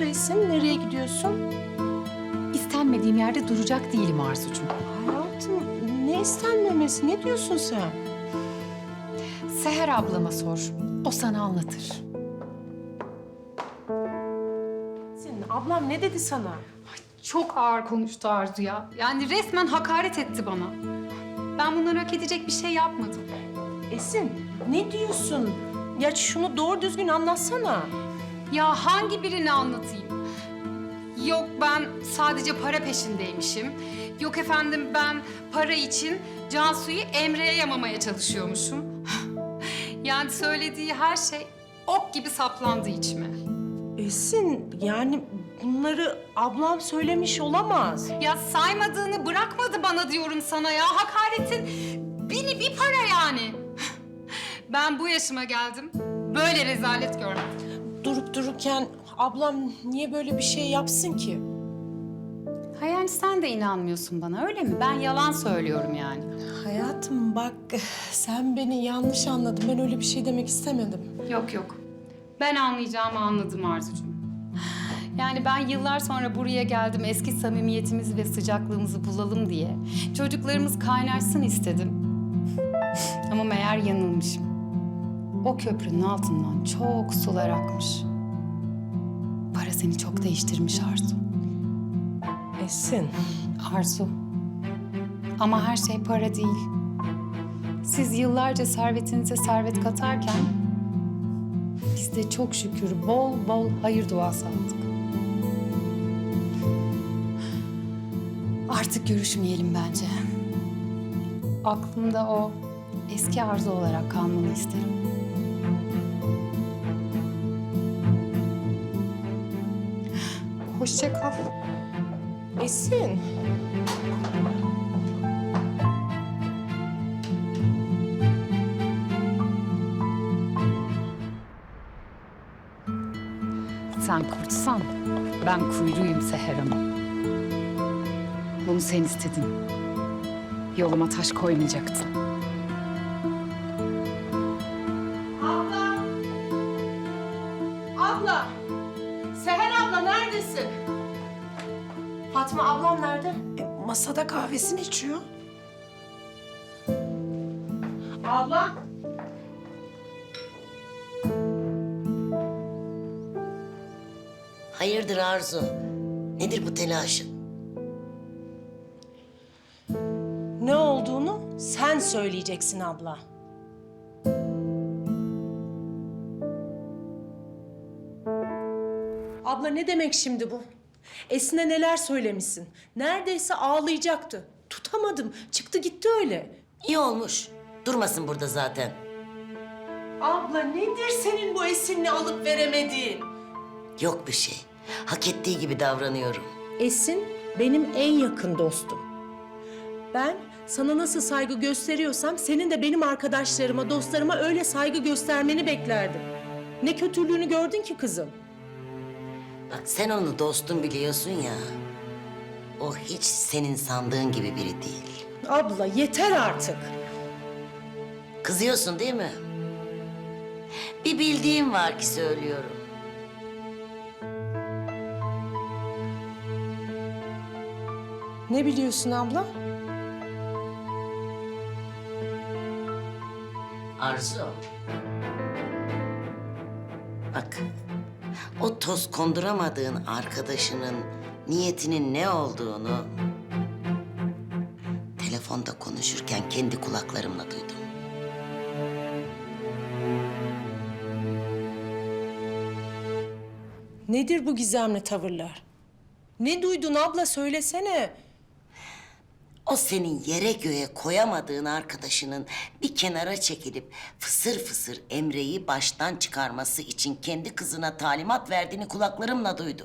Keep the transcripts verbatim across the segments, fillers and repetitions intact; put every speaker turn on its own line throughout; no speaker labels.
oldu Esin? Nereye gidiyorsun?
İstenmediğim yerde duracak değilim Arzucuğum.
Hayatım, ne istenmemesi? Ne diyorsun sen?
Seher ablama sor. O sana anlatır.
Senin ablam ne dedi sana?
Çok ağır konuştu Arzu ya. Yani resmen hakaret etti bana. Ben bunları hak edecek bir şey yapmadım.
Esin, ne diyorsun? Ya şunu doğru düzgün anlatsana.
Ya hangi birini anlatayım? Yok ben sadece para peşindeymişim. Yok efendim ben para için Cansu'yu Emre'ye yamamaya çalışıyormuşum. Yani söylediği her şey ok gibi saplandı içime.
Esin, yani bunları ablam söylemiş olamaz.
Ya saymadığını bırakmadı bana diyorum sana ya. Hakaretin bini bir para yani. Ben bu yaşıma geldim. Böyle rezalet görmedim.
Durup dururken ablam niye böyle bir şey yapsın ki?
Ha yani sen de inanmıyorsun bana öyle mi? Ben yalan söylüyorum yani.
Hayatım bak, sen beni yanlış anladın. Ben öyle bir şey demek istemedim.
Yok yok. Ben anlayacağımı anladım Arzucuğum. Yani ben yıllar sonra buraya geldim eski samimiyetimizi ve sıcaklığımızı bulalım diye. Çocuklarımız kaynaşsın istedim. Ama meğer yanılmışım. O köprünün altından çok sular akmış. Para seni çok değiştirmiş Arzu.
Esin,
Arzu. Ama her şey para değil. Siz yıllarca servetinize servet katarken biz de çok şükür bol bol hayır duası aldık. Artık görüşmeyelim bence. Aklımda o eski Arzu olarak kalmanı isterim. Hoşça kal.
Esin.
Sen kurtsan ben kuyruğuyum Seher Hanım. Bunu sen istedin. Yoluma taş koymayacaktın.
Abla! Abla! Seher abla neredesin? Fatma ablam nerede?
E, masada kahvesini içiyor.
Abla!
Hayırdır Arzu? Nedir bu telaşın?
Ne olduğunu sen söyleyeceksin abla. Abla ne demek şimdi bu? Esin'e neler söylemişsin? Neredeyse ağlayacaktı. Tutamadım. Çıktı gitti öyle.
İyi olmuş. Durmasın burada zaten.
Abla nedir senin bu Esin'le alıp veremediğin?
Yok bir şey. Hak ettiği gibi davranıyorum.
Esin benim en yakın dostum. Ben sana nasıl saygı gösteriyorsam senin de benim arkadaşlarıma, dostlarıma öyle saygı göstermeni beklerdim. Ne kötülüğünü gördün ki kızım?
Bak sen onu dostum biliyorsun ya. O hiç senin sandığın gibi biri değil.
Abla yeter artık.
Kızıyorsun değil mi? Bir bildiğim var ki söylüyorum.
Ne biliyorsun abla?
Arzu. Bak, o toz konduramadığın arkadaşının niyetinin ne olduğunu telefonda konuşurken kendi kulaklarımla duydum.
Nedir bu gizemli tavırlar? Ne duydun abla söylesene.
O senin yere göğe koyamadığın arkadaşının bir kenara çekilip fısır fısır Emre'yi baştan çıkarması için kendi kızına talimat verdiğini kulaklarımla duydum.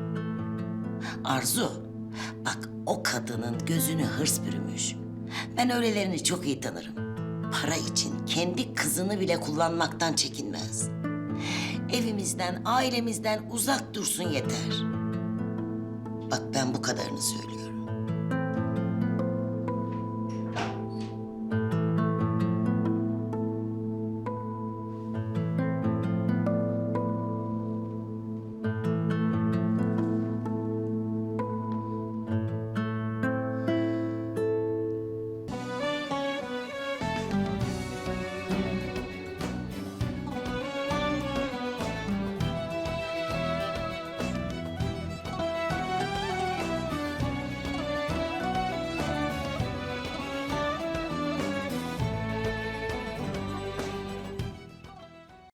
Arzu, bak o kadının gözünü hırs bürümüş. Ben öylelerini çok iyi tanırım. Para için kendi kızını bile kullanmaktan çekinmez. Evimizden, ailemizden uzak dursun yeter. Bak ben bu kadarını söylüyorum.